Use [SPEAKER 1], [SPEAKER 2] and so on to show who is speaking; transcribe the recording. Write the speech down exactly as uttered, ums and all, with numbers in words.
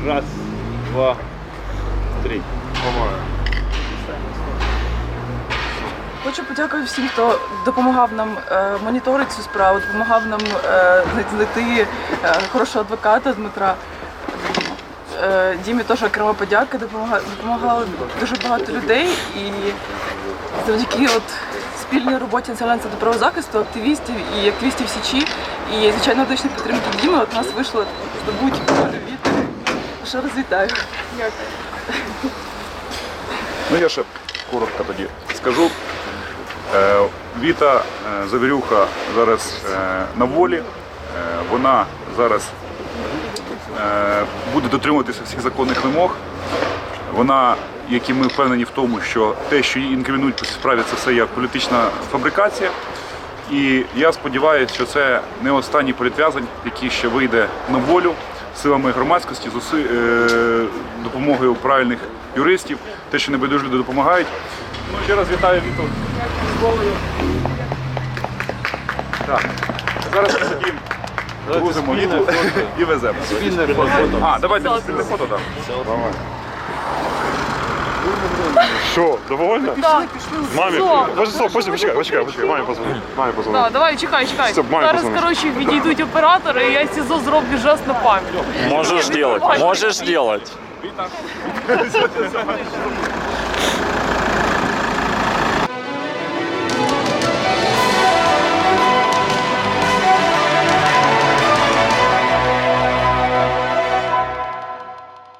[SPEAKER 1] Раз, два, три.
[SPEAKER 2] Хочу подякувати всім, хто допомагав нам е, моніторити цю справу, допомагав нам е, знайти е, хорошого адвоката Дмитра. Е, Дімі теж окрема подяка, допомагали, допомагало дуже багато людей, і завдяки от спільній роботі Національного центру правозахисту, активістів і активістів Січі, і звичайно медичної підтримки Діми, от у нас вийшло здобути від. Ще раз вітаю. Дякую.
[SPEAKER 3] Ну я ще коротко тоді скажу. Е, Віта е, Завірюха зараз е, на волі. Е, вона зараз е, буде дотримуватися всіх законних вимог. Вона, як і ми впевнені в тому, що те, що її інкримінують по цій справі, це все є політична фабрикація. І я сподіваюся, що це не останній політв'язень, який ще вийде на волю силами громадськості, з уси, е, допомогою правильних юристів, те, що небайдужі люди допомагають. Ну, ще раз вітаю Віту з волею. Так, зараз ми тоді грузимо Віту і веземо.
[SPEAKER 1] Спільне фото.
[SPEAKER 3] А, давайте спільне фото, так.
[SPEAKER 1] Давай.
[SPEAKER 4] Що, довольна?
[SPEAKER 2] Так.
[SPEAKER 4] Мамі,
[SPEAKER 2] Все.
[SPEAKER 4] Боже, стоп, почекай, почекай, почекай, почекай, мамі позвони. Мамі позвони.
[SPEAKER 2] Так, давай, чекай, чекай.
[SPEAKER 4] Все, мамі
[SPEAKER 2] Зараз,
[SPEAKER 4] позвони.
[SPEAKER 2] коротше, відійдуть оператори, і я СІЗО зроблю жест на пам'ять.
[SPEAKER 5] Можешь делать, можешь делать.
[SPEAKER 3] Віта.